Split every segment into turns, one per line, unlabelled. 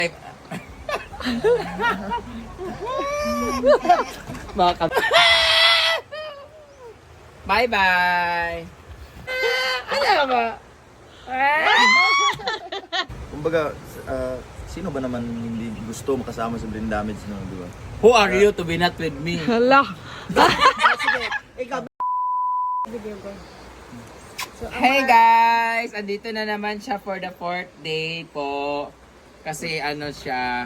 Bye-bye! Ano ba?
Kumbaga, sino ba naman hindi gusto makasama sa brain damage, no, di ba?
Who are you to be not with me?
Hala.
Sige, ikaw.
Hey guys! Andito na naman siya for the 4th day po. Kasi ano siya...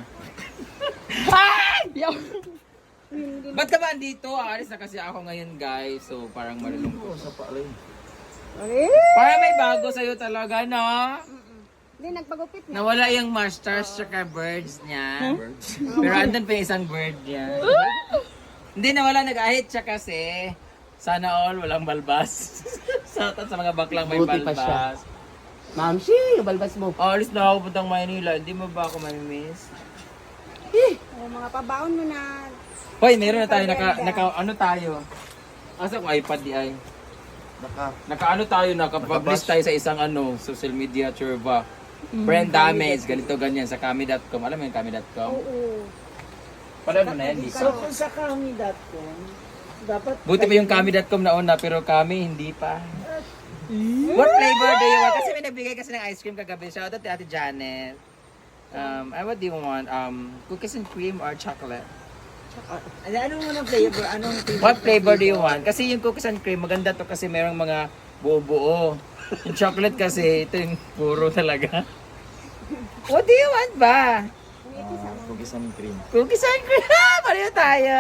Ba't ka ba andito? Aalis na kasi ako ngayon guys. So parang malulungkot.
Sa paalay.
Parang may bago sa'yo talaga, no?
Hindi, nagpagupit na.
Nawala yung masters tsaka birds niya. Pero andun pa yung isang bird niya. Hindi, nawala, nag-ahit siya kasi. Sana all, walang balbas. sa mga baklang may
Buti pa siya.
balbas.
Ma'am, si, balbas mo.
Alis na ako puntang Maynila. Hindi mo ba ako mamimiss?
O, mga pabaon mo na.
Hoy, meron na tayo. Ano tayo? Asa ko iPad di ay? Naka-ano tayo, naka-publish tayo sa isang social media churba. Brand damage, ganito ganyan sa kami.com. Alam mo yung kami.com?
Oo.
Pala mo na yan, Lisa.
So, kung sa kami.com, dapat...
Buti pa yung kami.com na una, pero kami hindi pa. What flavor do you want? Kasi may nagbigay kasi ng ice cream kagabi. Shoutout to Ate Janet. What do you want? Cookies and cream or chocolate?
Anong muna flavor? Anong flavor?
What flavor do you want? Kasi yung cookies and cream, maganda to kasi merong mga buo-buo. Yung chocolate kasi, ito yung puro talaga. What do you want ba?
Cookies and cream.
Cookies and cream! Pareho tayo!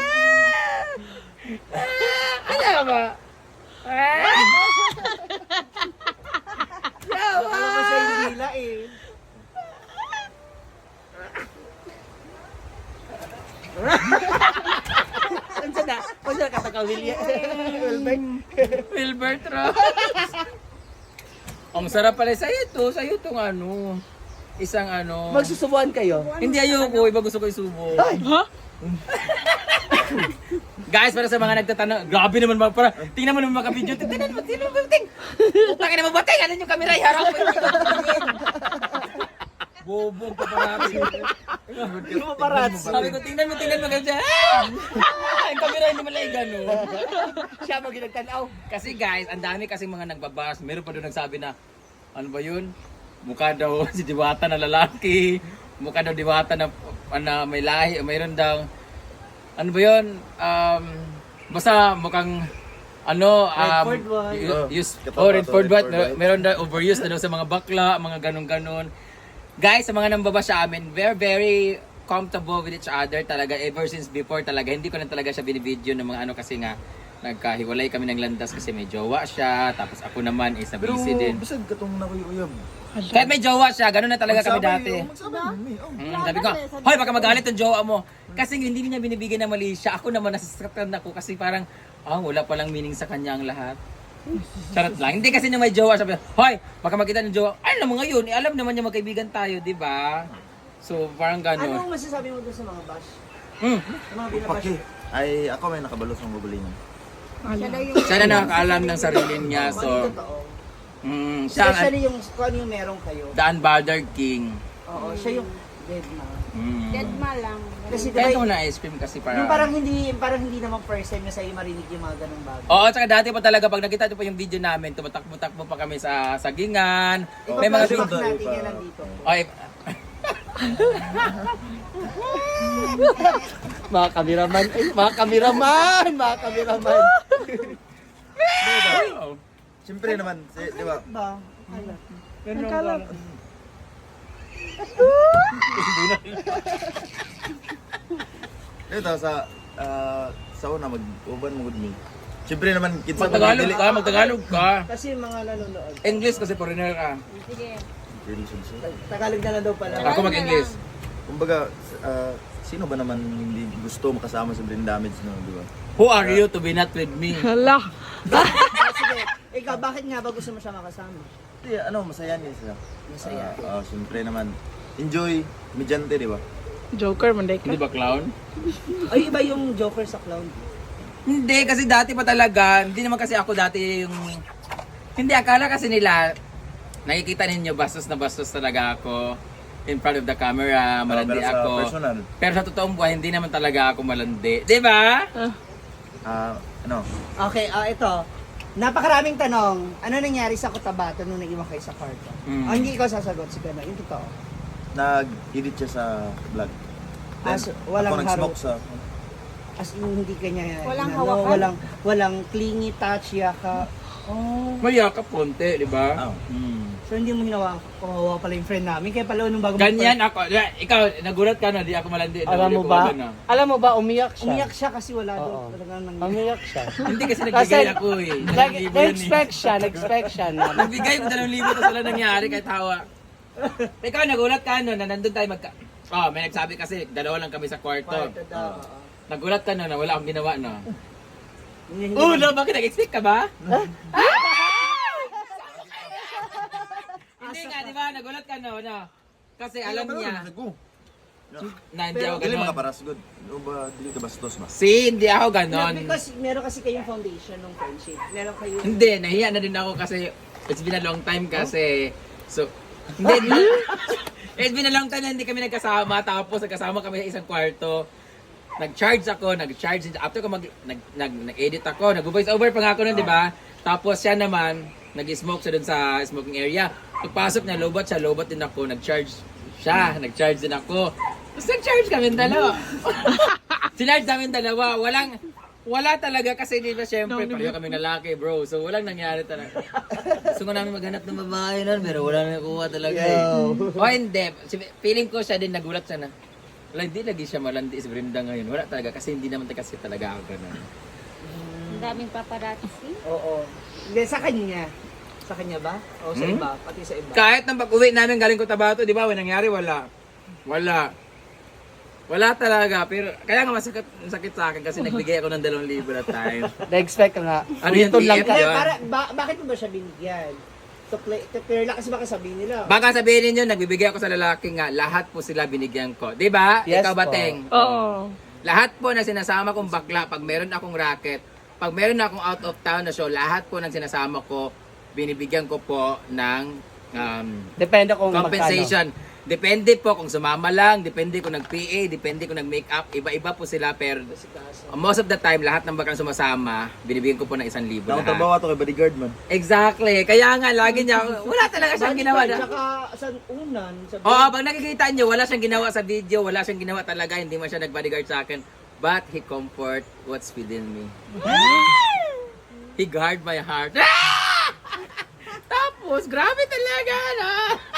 Ano ba?
Ano ba sa hila eh? Ano na? Kung saan kataka William?
Wilbert Ross! Ang sarap pala sa'yo to. Sa'yo itong isang
Magsusubuan kayo?
Hindi ayoko, iba gusto ko isubo. Guys, para sa mga nagtatanong, grabe naman ba, para tingnan mo naman mga video, tingnan mo, Utangin naman ba, tingnan yung camera, harap mo yung Bobong ka parati. Sabi ko, tingnan mo ganyan. Yung camera hindi malay gano'n.
Siya mo ginagtanaw.
Kasi guys, ang dami kasi mga nagbabas. Meron pa doon nagsabi na, ano ba yun? Mukha daw si Diwata na lalaki. Mukha daw Diwata na may lahi. Mayroon daw, ano ba yun? Basta mukhang, Redford White. Meron daw overuse na daw sa mga bakla, mga ganon-ganon. Guys, sa mga nambaba sa amin, we're very comfortable with each other talaga ever since before talaga. Hindi ko lang talaga siya binibideo ng mga kasi nga nagkahiwalay kami ng landas kasi may jowa siya, tapos ako naman is
Pero
busy din.
basag ka itong nakuyuyab.
Kahit may jowa siya, gano'n na talaga kami dati. Sabi ko, hoy baka magalit ang jowa mo. Kasi hindi niya binibigyan ng mali siya. Ako naman nasasaktan ako kasi parang, wala palang meaning sa kanya ang lahat. Charot lang. Hindi kasi nung may jowa, sabi, hoy, baka makita ng jowa, ay alam mo ngayon, alam naman niya magkaibigan tayo, di ba? So, parang gano'n.
Anong masasabi mo doon sa mga bash? Sa mga binabash?
Ay, ako may nakabalos ng bubulingan.
Siya daw yung...
Siya na nakakaalam ng sarili niya, so, siya ang
Especially yung kung ano yung meron kayo.
the unbothered king.
Oo, siya yung dead na.
Dead ma lang.
Kasi
Kaya
diba,
ko na ice cream kasi
yung
para...
parang hindi naman first time na sa'yo marinig yung mga ganung bagay.
Oo, tsaka dati pa talaga, pag nakita nyo pa yung video namin, tumatakbo-takbo pa kami sa sagingan. May mga
Ipapalabas
video.
natin yan nandito.
Ay,
Mga kameraman, mga kameraman.
Siyempre naman, di ba?
Ba?
Nagkalat.
Ito, sa una, mag-uban mo good me. Siyempre naman, kinsa
magtagalog ka.
Kasi yung mga nanonood.
English kasi foreigner ka.
Sige.
relationship.
Tagalog na lang daw pala.
Ako mag-English.
Kumbaga, sino ba naman hindi gusto makasama sa brain damage, no, di ba?
Who are you to be not with me?
Hala.
Sige, ikaw, bakit nga ba gusto mo siya makasama?
Hindi, masaya niya siya.
Masaya.
Siyempre naman, enjoy, medyante, di ba?
Joker, manday ka.
Hindi ba clown?
Ay, iba yung Joker sa clown.
Hindi, kasi dati pa talaga, hindi naman kasi ako dati yung... Hindi, akala kasi nila, nakikita ninyo bastos na bastos talaga ako. in front of the camera, malandi
Pero sa
ako.
personal,
Pero sa totoong buhay, hindi naman talaga ako malandi. Di ba?
ano,
Okay, ito. Napakaraming tanong. Ano nangyari sa Cotabato nung nag-iwan kayo sa kwarto? Hindi ikaw sasagot, si Gano. Yung totoo.
nag-edit siya sa vlog. Then,
So, walang
ako nag-smoke
haro-
sa...
As in, hindi kanya...
Walang
inano,
hawakan?
Walang clingy touch, yaka. Oh.
Maya ka ponte, di ba?
Oh.
So, hindi mo hinawa. Kawawa pala yung friend namin. Kaya pala nung bago
Ganyan ako. Ikaw, nagulat ka na, di ako malandi.
Alam mo ba? Alam mo ba, umiyak siya.
Umiyak siya kasi wala
Oo.
doon. Talagang nangyari.
Umiyak siya.
Hindi kasi nagbigay
Kasi-
ako eh. 2,000 yun eh.
Nag-expect siya na.
Nagbigay ko 2,000 tapos wala nangyari kahit hawa. Ikaw, nagulat ka no, na nandun tayo may nagsabi kasi, dalawa lang kami sa kwarto.
Kwarto daw.
Nagulat ka no, na wala akong ginawa no.
Hindi-
Oh, no, bakit nag-expect ka ba? Hindi nga, di ba? Nagulat ka no. Kasi alam niya na hindi ako
Dili
ganon.
makaparas good. O ba, dili ka bastos ba?
Hindi ako
No,
ganon.
because meron kasi kayong foundation ng friendship. Meron kayo...
Hindi, nahiya na din ako kasi it's been a long time kasi. So, hindi. It's been a long time na hindi kami nagkasama. Tapos nagkasama kami sa isang kwarto. Nag-charge. After ko nag-edit ako, nag-voice over pa nga ako nun, di ba? Tapos siya naman, nag-smoke siya dun sa smoking area. Pagpasok niya, lobot din ako. Nag-charge din ako. Tapos nag-charge kami dalawa. Sinarge namin dalawa. Wala talaga kasi di ba syempre pareho kaming lalaki bro. So walang nangyari talaga. Gusto ko namin maghanap ng babae nun pero wala na nakuha talaga eh. O hindi. Feeling ko siya din nagulat siya na. Wala, hindi lagi siya malandi si Brenda ngayon. Wala talaga kasi hindi naman kasi talaga ako ganun.
Ang daming paparazzi.
Oo. Hindi, sa kanya. Sa kanya ba? O sa iba? Pati sa iba?
Kahit nang pag-uwi namin galing Cotabato, di ba? Walang nangyari, wala talaga. Pero kaya nga masakit sa akin kasi nagbigay ako ng 2,000 na time.
Na-expect ka nga.
Ano yun,
Dito lang
TF?
ka.
Hindi,
Yun.
bakit mo ba siya binigyan? To clear lang kasi baka sabihin nila.
Baka sabihin ninyo, nagbibigay ako sa lalaki nga, lahat po sila binigyan ko. Di ba?
Yes
Ikaw ba,
po.
Teng?
Oo.
Lahat po na sinasama kong bakla, pag meron akong racket, pag meron akong out of town na show, lahat po ng sinasama ko, binibigyan ko po ng
Depende kung
compensation. Depende po kung sumama lang, depende kung nag-PA, depende kung nag-makeup, iba-iba po sila. Pero most of the time, lahat ng bakang sumasama, binibigyan ko po ng 1,000
Nakong
lahat.
trabaho ato kay bodyguard man.
Exactly. Kaya nga, lagi niya, wala talaga siyang ginawa.
Tsaka sa unan, sa
Oo, pag nakikita niyo, wala siyang ginawa sa video, wala siyang ginawa talaga, hindi man siya nag-bodyguard sa akin. But he comfort what's within me. He guard my heart. Tapos, grabe talaga, no?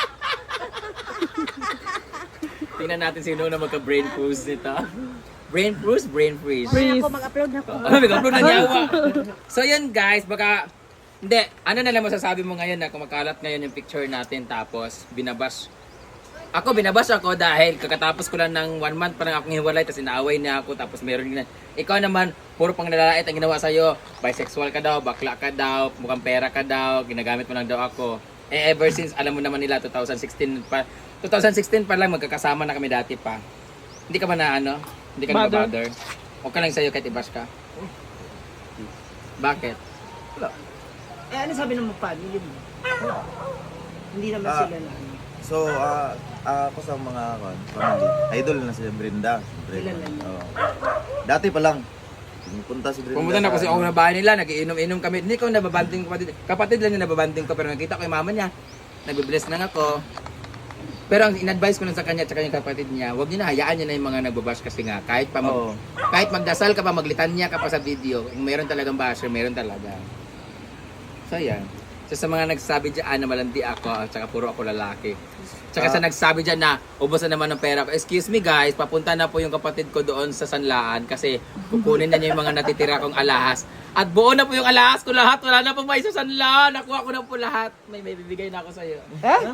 Tingnan natin sino na magka-brain freeze nito. Brain freeze, brain freeze.
Ay, ako mag-upload na ko.
Mag-upload na niyawa. So yun guys, baka hindi, ano na lang masasabi mo ngayon na kumakalat ngayon yung picture natin tapos binabash. Binabash ako dahil kakatapos ko lang ng 1 month pa lang akong hiwalay tapos inaaway niya ako tapos meron na. Ikaw naman, puro pang nalalait ang ginawa sa'yo. Bisexual ka daw, bakla ka daw, mukhang pera ka daw, ginagamit mo lang daw ako. Ever since, alam mo naman nila, 2016 pa lang magkakasama na kami dati pa. Hindi ka ba na ano? Hindi ka na bother? Okay lang sa'yo kahit i-bash ka? Bakit?
ano sabi ng mga family mo? Hindi naman
Ah.
sila na ano.
So, ako sa mga family, idol na si Brenda.
Ilan lang?
Oo. Dati pa lang, pumunta si Brenda.
Pumunta na kasi ako na bahay nila, nagiinom-inom kami. Hindi ko nababanding kapatid lang yung nababanding ko, pero nakita ko yung mama niya, nagbe-bless lang ako. Pero ang in-advise ko lang sa kanya at yung kapatid niya, huwag niyo na hayaan niya na yung mga nagbabash kasi nga, kahit
Oo.
kahit magdasal ka pa, maglitanya ka pa sa video, kung meron talagang basher, meron talaga. So yan. So sa mga nagsabi dyan na malandi ako at saka puro ako lalaki. Tsaka sa nagsabi dyan na ubos na naman ng pera ko. Excuse me guys, papunta na po yung kapatid ko doon sa Sanlaan kasi kukunin na niya yung mga natitira kong alahas. At buo na po yung alahas ko lahat. Wala na po may sa Sanlaan. Nakuha ko na po lahat. May bibigay na ako sa iyo.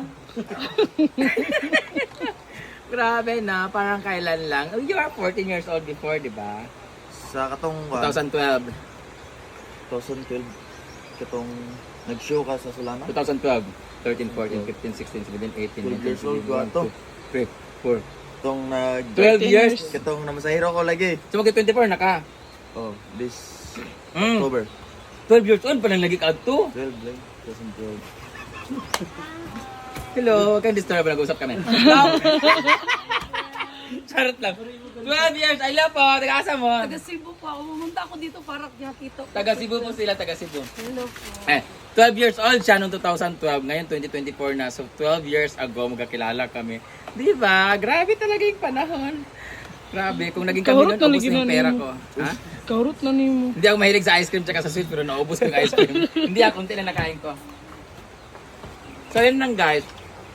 Grabe na, parang kailan lang. Oh, you are 14 years old before, di ba?
Sa katong
2012.
2012, katong nag-show ka sa Solana.
2012. 13, 14, 15, 16, 17, 18,
12 years old
19,
ka to.
3, 4.
Katong nag...
12 years?
Katong namasahiro ko lagi.
So mag-24 na ka.
Oh, this
Mm.
October.
12 years old pa lang lagi ka to.
12 lang. 2012.
Hello, huwag kang disturb, nag-usap kami. Now, charot lang. 12 years, I love po, taga-asa mo.
Taga Cebu po ako. Pumunta ako dito para nakita ko.
Taga Cebu po sila, taga Cebu.
Hello po.
12 years old siya noong 2012, ngayon 2024 na. So 12 years ago magkakilala kami. Di ba? Grabe talaga yung panahon. Grabe, kung naging kami
Kahurot
noon, ubos
na
na yung
lagi
pera
na
ko. Ha?
Kaurot na ni mo.
Hindi ako mahilig sa ice cream tsaka sa sweet, pero naubos ko yung ice cream. Hindi ako, unti lang nakain ko. So yun lang guys.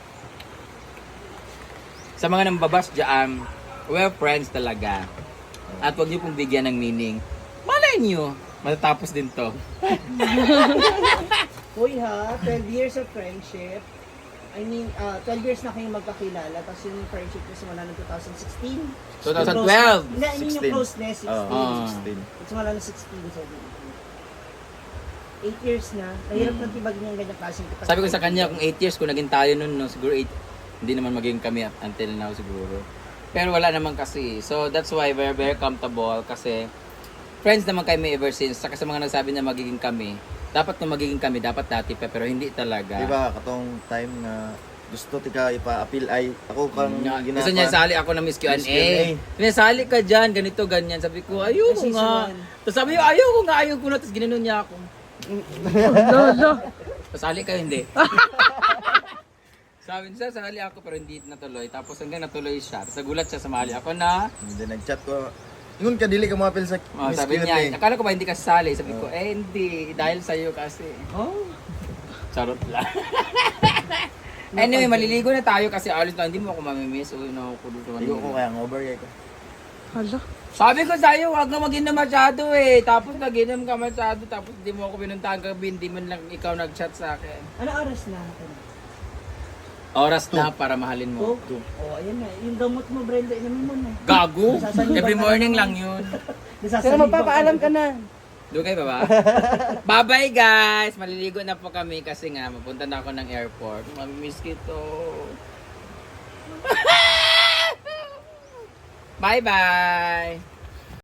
Sa mga nambabas dyan, we're friends talaga. At huwag niyo pong bigyan ng meaning. Malay niyo, matatapos din to.
Uy ha, 12 years of friendship. I mean, 12 years na kayong magkakilala, tapos yung friendship ko simula ng 2016.
2012.
Hindi, I mean yung
16.
closeness, 16.
Ah.
16.
Simula ng 16, 17. 8 years na. Mahirap na tibag niya ang ganyang klaseng kapag.
Sabi ko sa kanya, kung 8 years, kung naging tayo nun, no, siguro 8, hindi naman maging kami until now siguro. Pero wala naman kasi. So that's why we're very comfortable kasi friends naman kami ever since. Saka sa mga nagsabi na magiging kami, dapat kung magiging kami, dapat dati pa, pero hindi talaga.
Diba, katong time nga gusto tika ipa-appeal ay ako kang
Gusto niya sali ako ng Miss Q&A.
Miss Q&A.
Sinasali ka dyan, ganito, ganyan. Sabi ko, ayoko
Season
nga.
one.
Tapos sabi niya, ayoko nga, ayoko na. Tapos ginanon niya ako. Pasali kayo, hindi. Sabi niya, sasali ako pero hindi natuloy. Tapos hanggang natuloy siya. Tapos nagulat siya, sumali ako na.
Hindi nag-chat ko. Ingon ka dili ka ma-appeal sa
Oh,
Miss
sabi
Q&A.
niya, akala ko ba hindi ka sasali? Sabi ko, hindi. Dahil sa'yo kasi.
Oh,
Charot lang. Anyway, maliligo na tayo kasi alis na. Hindi mo ako mamimiss. Uy, nakukulog naman.
Hindi ko kaya ng overgay ko.
Hala.
Sabi ko sa'yo, huwag na mag-inom masyado eh. Tapos nag-inom ka masyado. Tapos hindi mo ako pinuntahan gabi. Hindi man lang ikaw nag-chat sa akin.
ano oras na?
Oras na para mahalin mo.
Oh, ayan na. Yung gamot mo, Brenda, inamin mo na.
Gago?
Nasasaliban
Every
ka
morning
na.
lang yun.
Pero magpapaalam ka na.
Doon kayo ba? Bye-bye guys! Maliligo na po kami kasi nga mapunta na ako ng airport. Mamimiss kito. Bye-bye!